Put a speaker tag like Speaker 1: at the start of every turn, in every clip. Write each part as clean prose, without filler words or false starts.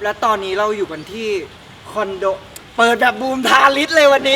Speaker 1: และตอนนี้เราอยู่กันที่คอนโดเปิดแบบบูมทาลิสเลยวันนี้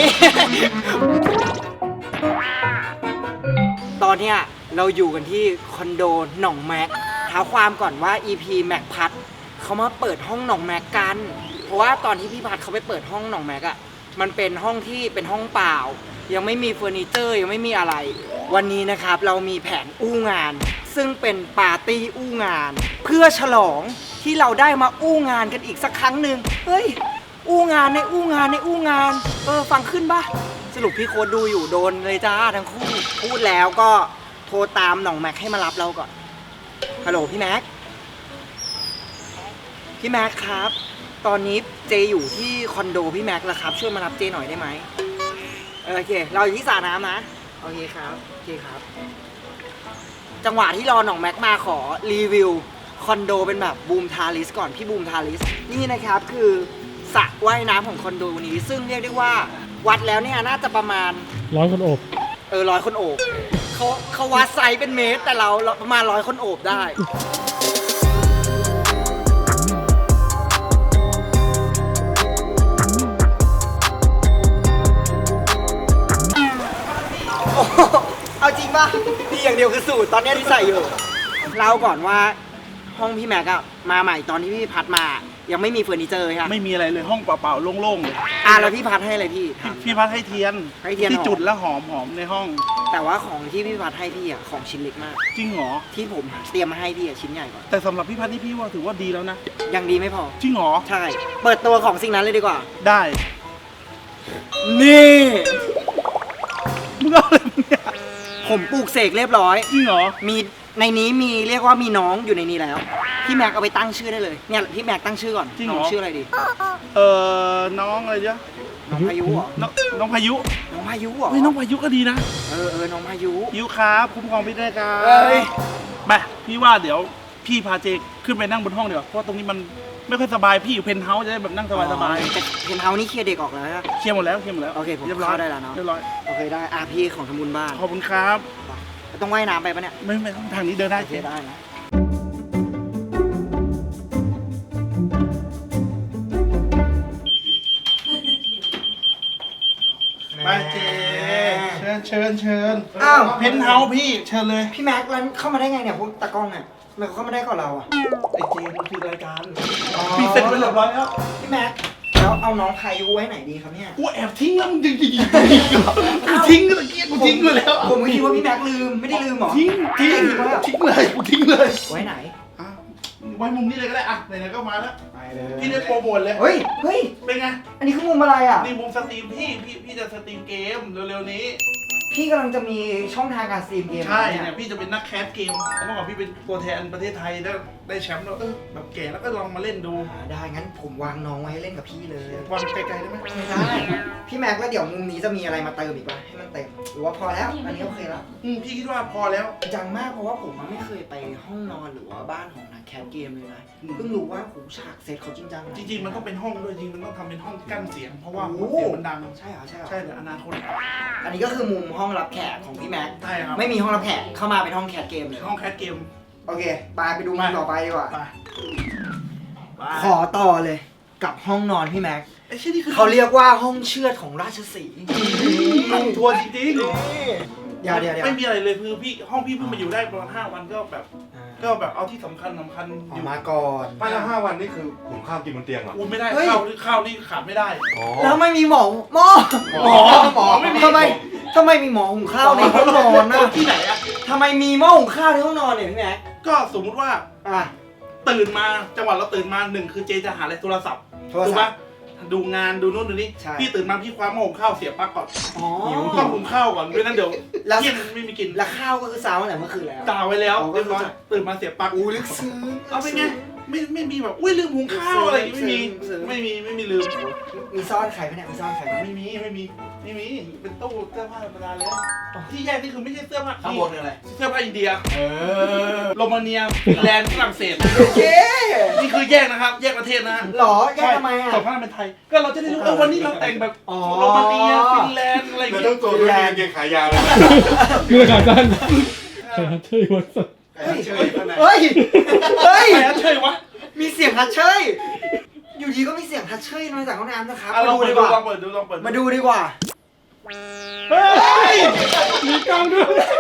Speaker 1: ตอนเนี้ยเราอยู่กันที่คอนโดหนองแม็กท้าความก่อนว่า EP แม็กพัดเขามาเปิดห้องหนองแม็กกัน เพราะว่าตอนที่พี่พัดเขาไปเปิดห้องหนองแม็กอะมันเป็นห้องที่เป็นห้องเปล่ายังไม่มีเฟอร์นิเจอร์ยังไม่มีอะไรวันนี้นะครับเรามีแผนอู้งานซึ่งเป็นปาร์ตี้อู้งานเพื่อฉลองที่เราได้มาอู้งานกันอีกสักครั้งหนึ่งเฮ้ยอู้งานในอู้งานในอู้งานฟังขึ้นปะสรุปพี่โค้ดดูอยู่โดนเลยจ้าทั้งคู่พูดแล้วก็โทรตามหนองแม็กให้มารับเราก่อนฮัลโหลพี่แม็กครับตอนนี้เจอยู่ที่คอนโดพี่แม็กแล้วครับช่วยมารับเจหน่อยได้ไหมโอเคเราอยู่ที่สระน้ำนะโอเคครับจังหวะที่รอหนองแม็กมาขอรีวิวคอนโดเป็นแบบบูมทาริสก่อนพี่บูมทาริสนี่นะครับคือสระว่ายน้ำของคอนโดนี้ซึ่งเรียกได้ว่าวัดแล้วเนี่ยน่าจะประมาณ
Speaker 2: 100 คนโอบ
Speaker 1: 100 คนโอบเขาวัดไซส์เป็นเมตรแต่เราประมาณ100 คนโอบได้เอาจริงป่ะดีอย่างเดียวคือสูตรตอนนี้ที่ใส่อยู่เล่าก่อนว่าห้องพี่แม็กอะมาใหม่ตอนที่พี่พัดมายังไม่มีเฟอร์นิเจอร์ใช่ไหม
Speaker 3: ไม่มีอะไรเลยห้องเปล่าๆโล่งๆเลย
Speaker 1: แล้วพี่พัดให้อะไรพี่
Speaker 3: พัดให้เทียนที่จุดแล้วหอมในห้อง
Speaker 1: แต่ว่าของที่พี่พัดให้พี่อะของชิ้นเล็กมาก
Speaker 3: จริงเหรอ
Speaker 1: ที่ผมเตรียมมาให้พี่อะชิ้นใหญ่กว่า
Speaker 3: แต่สำหรับพี่พัดนี่พี่ว่าถือว่าดีแล้วนะ
Speaker 1: ยังดีไม่พอ
Speaker 3: จริงเหรอ
Speaker 1: ใช่เปิดตัวของสิ่งนั้นเลยดีกว่า
Speaker 3: ได้
Speaker 1: นี่
Speaker 3: มึงเอาอะไรเนี่ย
Speaker 1: ผมปลูกเสกเรียบร้อย
Speaker 3: จริงเหรอ
Speaker 1: มีในนี้มีเรียกว่ามีน้องอยู่ในนี้แล้วพี่แม็กเอาไปตั้งชื่อได้เลยเนี่ยพี่แม็กตั้งชื่อก่อนน้องชื่ออะไรดี
Speaker 3: น้องอะไรเนี่ย
Speaker 1: น้องพายุเหรอ
Speaker 3: น้องพายุ
Speaker 1: เหรอ
Speaker 3: น้องพายุก็ดีนะ
Speaker 1: น้องพายุ
Speaker 3: ครับคุ้มครองพี่ได้ครับไปพี่ว่าเดี๋ยวพี่พาเจขึ้นไปนั่งบนห้องเดี๋ยวเพราะตรงนี้มันไม่ค่อยสบายพี่อยู่เพนท์เฮาส์จะได้แบบนั่งสบาย
Speaker 1: แต่เพนท์เฮาส์นี่เคลียร์เด็กออกแล้วนะ
Speaker 3: เคลียร์หมดแล้ว
Speaker 1: โอเคผม
Speaker 3: เรียบร้อย
Speaker 1: ได้แล้วเนาะ
Speaker 3: เรียบร้อย
Speaker 1: โอเคได้พี่ของทำบุญบ้าน
Speaker 3: ขอบคุณครับ
Speaker 1: ต้องว่ายน้ำไปปะเนี่ย
Speaker 3: ไม่ต้องทางนี้เดินได้
Speaker 1: ได้นะ
Speaker 3: ไปเจเชิญอ้าวเพนท์เฮาส์พี่เชิญเลย
Speaker 1: พี่แม็กแล้วเข้ามาได้ไงเนี่ยพวกตากล้องเนี่ยทำไมเขาเข้ามาได้ก่อนเราอะ
Speaker 3: ไอเจมันคือรายการพี่เสร็จไปเรียบร้อยแล้ว
Speaker 1: พี่แม็กแล้วเอาน้องพายุไว้ไหนดีครับเนี่ย
Speaker 3: กูแอบทิ้งแล้วมึงจริงกูทิ้งตะเกียบกูทิ้งไปแล้ว
Speaker 1: ผมคิดว่าพี่แม็กลืมไม่ได้ลืมหรอ
Speaker 3: ทิ้งเลยกูทิ้งเลย
Speaker 1: ไว้ไหน
Speaker 3: ไว้มุมนี้เลยก็ได้อะไหนๆก็มาแล้วพี่ได้โปรโมทเลย
Speaker 1: เฮ้ย
Speaker 3: เป็นไง
Speaker 1: อันนี้คือมุมอะไรอ่ะ
Speaker 3: นี่มุมสตรีมพี่จะสตรีมเกมเร็วๆนี้
Speaker 1: พี่กำลังจะมีช่องทางการสตรีมเกม
Speaker 3: ใช่เนี่ยพี่จะเป็นนักแคสเกมเมื่อก่อนพี่เป็นตัวแทนประเทศไทยได้แชมป์แล้วแบบแก่แล้วก็ลองมาเล่นดู
Speaker 1: ได้งั้นผมวางน้องไว้ให้เล่นกับพี่เลยว
Speaker 3: างไกลๆได้ไหม
Speaker 1: ไม่ได้พี่แม็กแล้วเดี๋ยวมุมนี้จะมีอะไรมาเติมอีกป่ะให้มันเต็มหรือว่าพอแล้วอันนี้โอเคแล้ว
Speaker 3: พี่คิดว่าพอแล้ว
Speaker 1: จังมากเพราะว่าผมไม่เคยไปห้องนอนหรือว่าบ้านของนักแคสเกมเลยนะเพิ่งรู้ว่าผมฉากเซตเขาจริงจัง
Speaker 3: จริงๆมันต้องเป็นห้องด้วยจริงมันต้องทำเป็นห้องกั้นเสียงเพราะว่าเสียงมันดัง
Speaker 1: ใช่เหรอ
Speaker 3: ใช่แต่อนาคต
Speaker 1: อันนี้ก็คือมุมห้องรับแขกของพี่แม็ก
Speaker 3: ใช่ครับ
Speaker 1: ไม่มีห้องรับแขกเข้ามาเป็นห้องแคสเกมเลย
Speaker 3: ห้องแคสเกม
Speaker 1: โอเคไปดูมุมต่อไปดีกว่าขอต่อเลยกับห้องนอนพี่แม็กเขาเรียกว่าห้องเชือดของราชสีห์
Speaker 3: ทัวร์จริง
Speaker 1: ๆเดี๋ยว
Speaker 3: ไม่มีอะไรเลยคือห้องพี่เพิ่งมาอยู่ได้ประมาณ5 วันก็แบบเอาที่สำคัญ
Speaker 1: อยู่มาก่อน
Speaker 4: ไปแล้ว5 วันนี่คือหุงข้าวกินบนเตียงเหรอ
Speaker 3: ไม่ได้ข้าวนี่ขาดไม่ได้
Speaker 1: แล้วไม่มีหมอไม่มีทำไมมีหมอหุงข้าวในห้องนอนนะ
Speaker 3: ที่ไหนอะ
Speaker 1: ทำไมมีหม้อหุงข้าวในห้องนอนเนี่ยพี่แม็ก
Speaker 3: ก็สมมุติว่าตื่นมาจังหวะเราตื่นมา1คือเจจะหาอะไรโทรศัพท์ถูกปะดูงานดูนู่นดูนี่พี่ตื่นมาพี่คว้าหม้อหุงข้าวเสียบปลั๊กก่อนหิวต้องหุงข้าวก่อนไม่นั้นเดี๋ยวเที่ยงไม่มีกิน
Speaker 1: แล้วข้าวก็คือซาวตั้งแต่เมื่อคืนแล้ว
Speaker 3: ตาไว้แล้วเรียบร้อยตื่นมาเสียบปลั๊ก
Speaker 1: ลึกซึ้ง
Speaker 3: เอาเป็นไงไม่มีแบบลืมหุงข้าวอะไรไม่มีลืม
Speaker 1: มีซ่อนไข่ไหมเนี่ยมีซ่อนไข่
Speaker 3: ไม่มีเป็นตู้เสื้อผ้าธรรมดาเลยที่แยกนี่คือไม่ใช่เสื้อผ้า
Speaker 1: ข้างบนอะไร
Speaker 3: เสื้อผ้าอินเดียโรมาเนียฟินแลนด์ฝรั่งเศสนี่คือแยกนะครับแยกประเทศนะ
Speaker 1: หรอแยกทำไมอ่ะ
Speaker 3: ส่วนผ้าเป็นไทยก็เราจะได้รู้วันนี้เราแต่งแบบโรมาเนียฟินแลนด์อะไรอย่างเงี้ย
Speaker 4: ต้องตัวด้วยเกงขายาวเลย
Speaker 2: เมื่อขาสั้นเฮ้ยวันสัตว์
Speaker 1: เฮ้ย
Speaker 3: ใครเชยวะ
Speaker 1: มีเสียงฮัทเชยฮัทเชยน้อยจากห้องน้ำนะครับ
Speaker 3: ลอง
Speaker 1: มา
Speaker 3: เปิ
Speaker 1: ดู
Speaker 3: ด
Speaker 1: ดีกว่า
Speaker 3: ดูลองเปิดดูลองเปิด
Speaker 1: มาดูดีกว่า
Speaker 3: เฮ้ย
Speaker 2: มีกล้องด้วย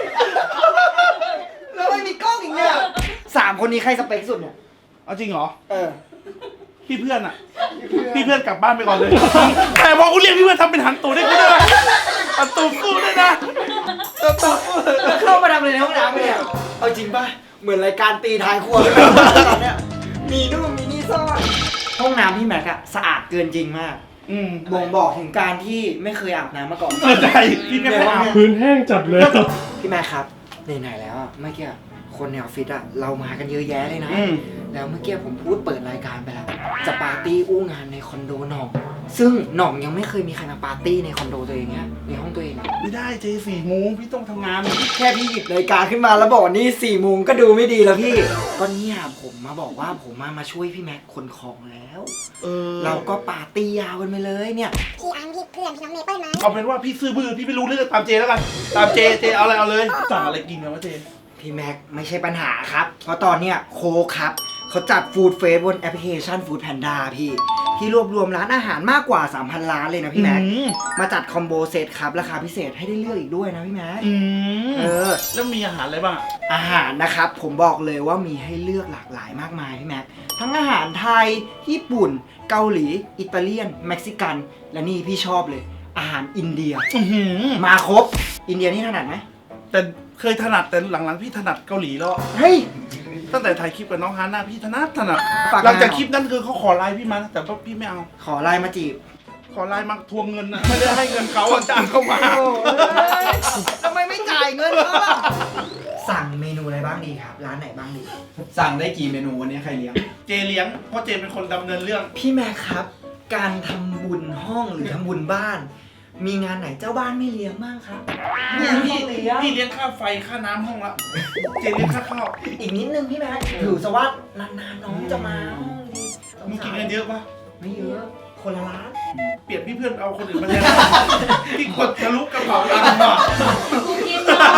Speaker 1: แล้วไม่มีกล้องอีกเนี่ย3 คนนี้ใครสเปคสุดเนี่ย
Speaker 3: เอาจริงเหรอ
Speaker 1: เออ
Speaker 3: พี่เพื่อนอ่ะ พี่เพื่อนกลับบ้านไปก่อนเลย แต่พอกูเรียกพี่เพื่อนทำเป็นหันตูได้กูด้วยนะหันตูสู้ได้นะหันตูสู้
Speaker 1: เข้ามาทำอะไรในห้องน้ำเนี่ยเอาจริงป่ะ เหมือนรายการตีท้ายครัวเลยตอนเนี้ยมีนู่นมีนี่ซ่อน ห้องน้ำพี่แม็กอะสะอาดเกินจริงมาก บ่งบอกถึงการที่ไม่เคยอาบน้ำมาก่อน
Speaker 3: ใจพี่ไม่ได้เอา
Speaker 2: พื้นแห้งจัดเลย
Speaker 1: พี่แม็กครับไหนๆแล้วอะเมื่อกี้คนในออฟฟิศอะเรามากันเยอะแยะเลยนะ แล้วเมื่อกี้ผมพูดเปิดรายการไปแล้วจะปาร์ตี้อู้งานในคอนโดหน่อง ซึ่งหน่องยังไม่เคยมีใครมาปาร์ตี้ในคอนโดตัวเองเนี่ยในห้องตัวเอง
Speaker 3: ไม่ได้เจ4 โมงพี่ต้องทำงาน
Speaker 1: แค่พี่หยิบนาฬิกาขึ้นมาแล้วบอกว่านี่4 โมงก็ดูไม่ดีแล้วพี่ ก็เนี่ยผมมาบอกว่าผมมาช่วยพี่แม็กขนของแล้ว เราก็ปาร์ตี้ยาวกันไปเลยเนี่ย
Speaker 5: พี่อังพี่เพื่อนพี่น้องเมเปิ้ลนะ
Speaker 3: เอาเป็นว่าพี่ซื้อบื้อพี่ไม่รู้เรื่องตามเจแล้วกัน ตามเจเอาอะไรเอาเลยสั่งอะไรกินกันวะเจ
Speaker 1: พี่แม็กไม่ใช่ปัญหาครับ เพราะตอนเนี้ยโคกครับเขาจัดฟู้ดเฟสบนแอปพลิเคชันฟู้ดแพนด้าพี่ ที่รวบรวมร้านอาหารมากกว่า 3,000 ร้านเลยนะพี่แม็ก มาจัดคอมโบเซตครับราคาพิเศษให้ได้เลือกอีกด้วยนะพี่แม็ก
Speaker 3: แล้วมีอาหารอะไรบ้าง
Speaker 1: อาหารนะครับผมบอกเลยว่ามีให้เลือกหลากหลายมากมายพี่แม็ก ทั้งอาหารไทย ญี่ปุ่น เกาหลี อิตาเลียน เม็กซิกัน และนี่พี่ชอบเลย อาหารอินเดีย มาครบ อินเดียนี่ถนัดไหม
Speaker 3: แต่เคยถนัดแต่หลังๆพี่ถนัดเกาหลีแล้ว
Speaker 1: เฮ้ย
Speaker 3: ตั้งแต่ถ่ายคลิปกับน้องฮาน่าพี่ถนัด
Speaker 1: ฝากงาน
Speaker 3: หลังจากคลิปนั้นคือเขาขอไลน์พี่มานะแต่ว่าพี่ไม่เอา
Speaker 1: ขอไลน์มาจีบ
Speaker 3: ขอไลน์มาทวงเงินนะไม่ได้ให้เงินเขาอะจ้างเขามา
Speaker 1: ทำไมไม่จ่ายเงินเขาล่ะสั่งเมนูอะไรบ้างดีครับ ร้านไหนบ้างดี
Speaker 6: สั่งได้กี่เมนูวันนี้ใครเลี้ยง
Speaker 3: เจเลี้ยงเพราะเจเป็นคนดำเนินเรื่อง
Speaker 1: พี่แม็กครับ การทำบุญห้องหรือทำบุญบ้าน มีงานไหนเจ้าบ้านไม่เลี้ยงบ้างครับ
Speaker 3: เนี่ยพี่เลี้ยงค่าไฟค่าน้ำห้องละเจเลี้ยงค่าข้าว
Speaker 1: อีกนิดนึงพี่แม็กถือซะว่านานๆน้องจะมาห้องดี
Speaker 3: มึงกินเงินเยอะปะ
Speaker 1: ไม่เยอะคนละล้าน
Speaker 3: เปลี่ยนพี่เพื่อนเอาคนอื่นมาแทนพี่กดทะลุกระเป๋าตังค์มา
Speaker 5: กูกินหน่อย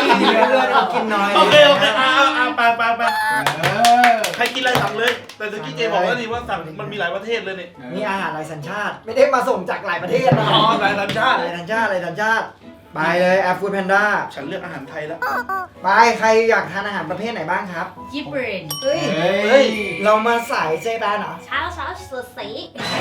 Speaker 1: เพื่อนเอากินน้อย
Speaker 3: โอเคไปใครกินอะไรสั่งเลย แต่ตะกี้เจบอกแล้วนี่ว่าสั่งมันมีหลายประเทศเลยเนี่ย
Speaker 1: นี่อาหารหลายสัญชาติ ไม่ได้มาส่งจากหลายประเทศนะ
Speaker 3: อ๋อหลายสัญชาติ
Speaker 1: หลายสัญชาติหลายสัญชาติไปเลยแอปฟู้ดแพนด้า
Speaker 3: ฉันเลือกอาหารไทยแล้ว
Speaker 1: ไปใครอยากทานอาหารประเภทไหนบ้างครับ
Speaker 5: ญี่ปุ่น
Speaker 1: เฮ้ยเรามาสายเจแปนเหรอ
Speaker 5: เช้าสดใส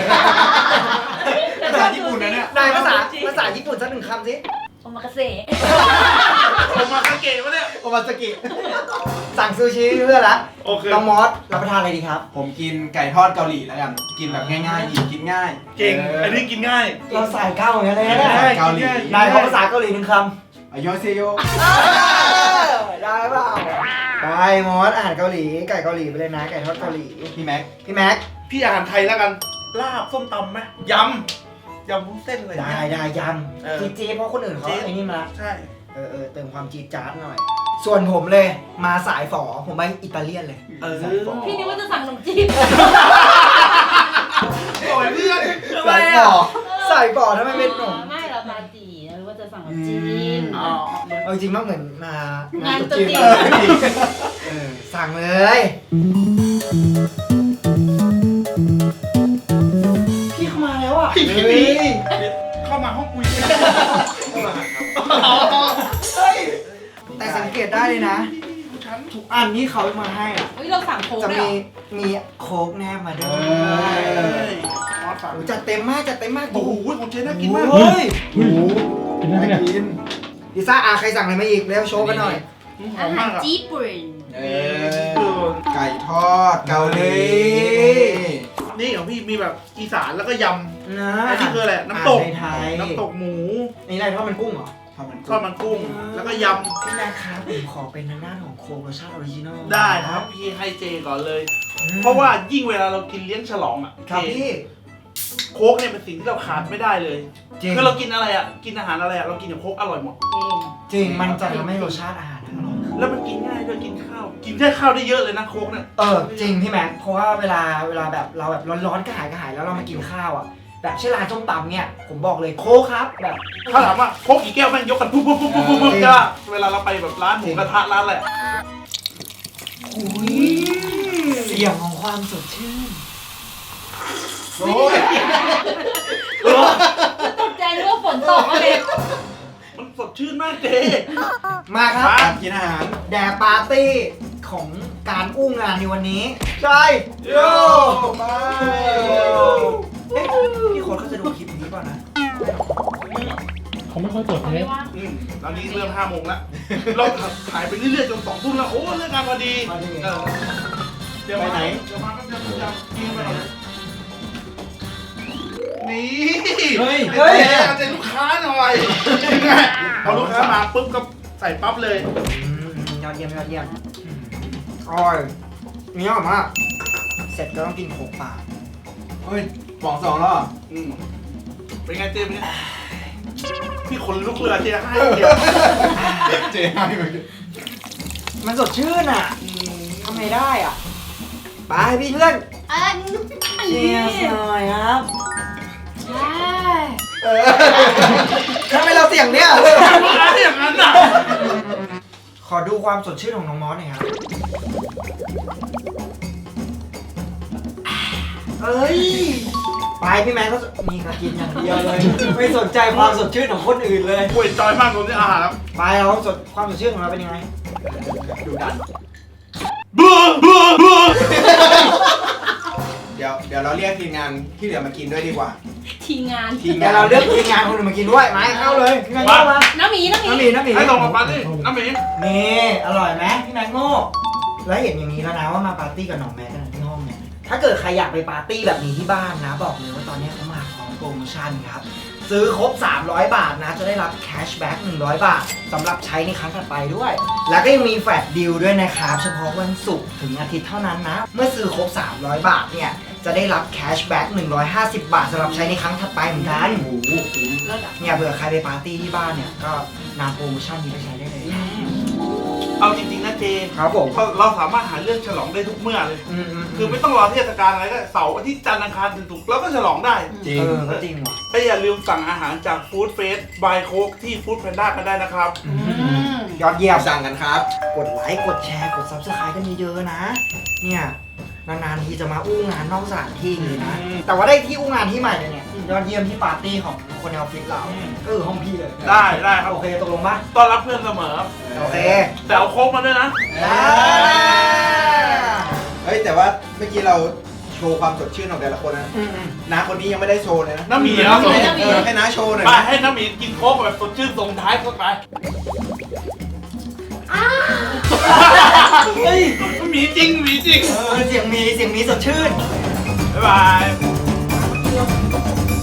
Speaker 6: ภาษาญี่ปุ่นนะเนี่ย
Speaker 1: นายภาษาญี่ปุ่นสักหนึ่งคำสิ
Speaker 5: โอมากาเสะ
Speaker 3: ผมมาคาเกะวะเนี่ย
Speaker 1: โอมาสกิสั่งซูชิเพื่อนละ
Speaker 3: โอเค
Speaker 1: น้องมอสรับประทานอะไรดีครับ
Speaker 6: ผมกินไก่ทอดเกาหลีแล้วกัน กินแบบง่ายๆหยิบกินง่าย
Speaker 3: เก่ง อันนี้กินง่าย
Speaker 1: เราสายเก้าเหมือนกันเลยนะเนี่ย
Speaker 6: เกาหลี
Speaker 1: นายขอภาษาเกาหลีหนึ่งคำ
Speaker 6: อายอเซโย
Speaker 1: ได้เปล่าไปมอสอาหารเกาหลีไก่เกาหลีไปเลยนะไก่ทอดเกาหลี
Speaker 6: พี่แม็ก
Speaker 1: พี่แม็ก
Speaker 3: พี่อาหารไทยแล้วกัน ลาบส้มตำไหมยำวุ้นเส้นอะไรอย่าง
Speaker 1: ได้
Speaker 3: เงี้ย
Speaker 1: ได้ย
Speaker 3: เออ
Speaker 1: ำจี๊ดๆเพราะคนอื่นเขา
Speaker 3: จี๊ด
Speaker 1: ไอ้นี่มาละ
Speaker 3: ใช่
Speaker 1: เติมความจี๊ดจ๊าดหน่อย ส่วนผมเลยมาสายฝอผมไปอิตาเลียนเลย
Speaker 3: สายฝอ
Speaker 5: พี่นึกว่าจะสั่งขนมจีบ
Speaker 3: โอ้ยเพื่อน
Speaker 1: สายฝอสายฝอทำไมเป็นหนุ่ม
Speaker 5: ไม่เราตาจีหรือว่าจะสั่งขนมจีน
Speaker 3: อ๋อ
Speaker 1: เอาจริงมากเหมือนมาง
Speaker 5: านตุ๊
Speaker 1: จี
Speaker 5: ก
Speaker 1: น
Speaker 5: จีน
Speaker 1: สั่งเลยพี่เข้ามาแล้วอ่ะ
Speaker 3: พี่
Speaker 1: เฮ้ย
Speaker 3: เข้ามาห้องคุยกันเข้ามาครับ
Speaker 1: เฮ้ยแต่สังเกตได้เลยนะ
Speaker 3: ฉัน
Speaker 1: ทุกอันที่เขามาให้อ่ะ
Speaker 5: เฮ้ยเราสั่งโค้ก
Speaker 1: จะ
Speaker 5: ด้วย
Speaker 1: มีโค้กแนบมาด้วย
Speaker 3: มอสสั่ง
Speaker 1: โอ้จัดเต็มมากจัดเต็มมาก
Speaker 3: โอ้โหของเจน่ากินมาก
Speaker 1: เฮ้ย
Speaker 2: เฮ้ยกินได้ไหมเนี่ย
Speaker 6: กิน
Speaker 1: พิซซ่าใครสั่งอะไรมาอีกเร็วโชว์กันหน่อย
Speaker 3: หอ
Speaker 5: อาม หาม
Speaker 3: าร กอ่ะ
Speaker 5: ญี่ปุ่น
Speaker 6: ไก่ทอดเกาหลี
Speaker 3: นี่ของพี่มีแบบอีสานแล้วก็ย
Speaker 1: นะ
Speaker 3: ำอันนี้คืออะไรน้ำตก
Speaker 1: ไทย
Speaker 3: น้ำตกหมู
Speaker 1: นี่อะไรทอดมันกุ้งเหรอ
Speaker 6: ทอดมัน
Speaker 3: ทอดมันกุ้ง แล้วก็ย
Speaker 1: พี่แม่ครับผมขอเป็นทางด้านของโค้กรสชาติออริจินอล
Speaker 3: ำได้ครับพี่ให้เจก่อนเลย เพราะว่ายิ่งเวลาเรากินเลี้ยงฉลองอ่ะ
Speaker 1: ครับ
Speaker 3: เจ
Speaker 1: พี่
Speaker 3: โค้กเนี่ยเป็นสิ่งที่เราขาดไม่ได้เลย
Speaker 1: จริง
Speaker 3: คือเรากินอะไรอ่ะ กินอาหารอะไรอ่ะ เรากินกับโค้กอร่อยหมด
Speaker 1: จริงมันจะทำให้รสชาติอาหารอร่อย
Speaker 3: แล้วมันกินง่ายด้วยกินข้าว กินแค่ข้าวได้เยอะเลยนะโค้กเนี่ย
Speaker 1: จริงพี่แม็กเพราะว่าเวลาแบบเราแบบร้อนๆกระหายแล้วเรามากินข้าวอ่ะแบบเช่นร้านส้มตำเนี่ยผมบอกเลยโค้กครับแบบ
Speaker 3: ถ้าถามว่าโค้กกี่แก้วแม่งยกกันปุ๊บจ้าเวลาเราไปแบบร้านหมูกระทะร้านอะไร
Speaker 1: เสียงของความสดชื่น
Speaker 6: โอ้ย
Speaker 5: ตกใจนึกว่าฝนตกก็เลย
Speaker 3: มันสดชื่นมากเจ
Speaker 1: มาครับ
Speaker 6: กินอาหาร
Speaker 1: แดกปาร์ตี้ของการอู้งานในวันนี้ใช่
Speaker 6: โย่ไป
Speaker 1: เอ๊ะพี่โค้ดเขาจะดูคลิปนี้ก่อนนะ
Speaker 2: เขาไม่ค่อยเปิด
Speaker 5: เขา
Speaker 2: เท
Speaker 5: ไม่
Speaker 2: ป
Speaker 5: ว่าง
Speaker 3: ตอนนี้เริ่ม5 โมงแล้ว เราถ่ายไปเรื่อยๆจน2 ทุ่มแล้ว โอ้เรื่องงานพอดีเออเดี๋ยวมาเดี๋ยวมาแป๊บเดียวกินไปก่อนเลยนี่
Speaker 6: เฮ้ย
Speaker 3: เอาใจลูกค้าหน่อยพอลูกค้ามาปุ๊บก็ใส่ปั๊บเลย
Speaker 1: ยอดเยี่ยมยอดเยี่ยมอร่อยเนี้ยอร่อยมากเสร็จก็ต้องกินโขกปาก
Speaker 6: เฮ้ยป๋องสองแล้วเหรอ
Speaker 3: อืมเป็นไงเจมส์เนี่ยพี่คนลุกเลยเจให้เดียว
Speaker 6: เจ๊ให้ไป
Speaker 1: มันสดชื่นอ่ะทำไงได้อ่ะไปพี่เพื่อนเชียร์หน่อยครับ
Speaker 5: ใช่
Speaker 1: ทำไมเราเสียงเนี่ย
Speaker 3: อะไรอย่างนั้นอ่ะ
Speaker 1: ขอดูความสดชื่นของน้องมอสหน่อยครับเอ้ยไปพี่แมนก็มีกระกินอย่างเดียวเลย ไม่สนใจความสดชื่นของคนอื่นเลย
Speaker 3: ป่วยจอยมากตรงนี้อาหารครับ
Speaker 1: ไปเราความสดชื่นของเราเป็นยังไง
Speaker 6: ดูดัน
Speaker 3: เบื่อเบื่อเบื่อ
Speaker 6: เดี๋ยวเราเรียกทีมงานที่เหลือมากินด้วยดีกว่า
Speaker 5: ทีมงาน
Speaker 6: ทีม
Speaker 1: แต่
Speaker 6: งาน
Speaker 1: เราเลือกทีมงานคนอื่นมากินด้วยไหมเข้าเลยพี่แมนโง่มา
Speaker 5: น้ำหมี
Speaker 1: น้ำหมีน้ำหมี
Speaker 3: ให้ลงมาปาร์ตี้น้ำหมี
Speaker 1: นี่อร่อยไหมพี่แมนโง่แล้วเห็นอย่างนี้แล้วนะว่ามาปาร์ตี้กับน้องแม็กกันที่ห้องเนี่ยถ้าเกิดใครอยากไปปาร์ตี้แบบนี้ที่บ้านนะ บอกเลยว่าตอนนี้เขามาพร้อมโปรโมชั่นครับซื้อครบ300 บาทนะจะได้รับแคชแบ็ก100 บาทสำหรับใช้ในครั้งถัดไปด้วย แล้วก็ยังมีแฟลชดีลด้วยนะครับเฉพาะวันศุกร์ถึงอาทิตย์เท่านั้นนะเมื่อซื้อครบ300 บาทเนี่ยจะได้รับแคชแบ็ก150 บาทสำหรับใช้ในครั้งถัดไปเหมือนกัน
Speaker 5: เลิศอ่ะ
Speaker 1: เนี่ยเผื่อใครไปปาร์ตี้ที่บ้านเนี่ยก็นำโปรโมชั่นนี้ไปใช้ได้เลย
Speaker 3: เอาจริงๆนะเจ
Speaker 1: ครับผม
Speaker 3: เราสามารถหาเรื่องฉลองได้ทุกเมื่อเลย คือไม่ต้องรอเทศกาลอะไรก็เสาร์อาทิตย์จันทร์อังคารถึงศุกร์เราก็ฉลองได้
Speaker 6: จริง
Speaker 1: ก็จริงว่ะ
Speaker 3: และอย่าลืมสั่งอาหารจากฟู้ดเฟสบายโคกที่ฟู้ดแพนด้ากันได้นะครับ
Speaker 1: ยอดเยี่ยม
Speaker 6: สั่งกันครับ
Speaker 1: กดไลค์กดแชร์กด Subscribe กันเยอะๆนะ เนี่ยนานๆทีจะมาอู้งานนอกสถานที่เลยนะ แต่ว่าได้ที่อู้งานที่ใหม่เลยเนี่ยยอดเยี่ยมที่ปาร์ตี้ของคนในออฟฟิศเราก็คือห้องพี่เลย
Speaker 3: ได้ครับ
Speaker 1: โอเคตกลงปะ
Speaker 3: ต้อนรับเพื่อนเสมอ
Speaker 1: โอเค
Speaker 3: แต่เอาโค้กมาด้วยนะ
Speaker 1: ได้
Speaker 6: เฮ้ยแต่ว่าเมื่อกี้เราโชว์ความสดชื่นของแต่ละคนนะน้าคนนี้ยังไม่ได้โชว์เลยนะ
Speaker 3: น้ำหมีแล้ว
Speaker 6: ให้น้าโชว์หน่อย
Speaker 3: ไป
Speaker 6: นะ
Speaker 3: ให้น้ำหมีกินโค้กแบบสดชื่นส่งท้ายเข้าไป
Speaker 1: เฮ้ย
Speaker 3: หมีจริงหมีจริง
Speaker 1: เสียงมีสดชื่น
Speaker 3: บ๊ายบาย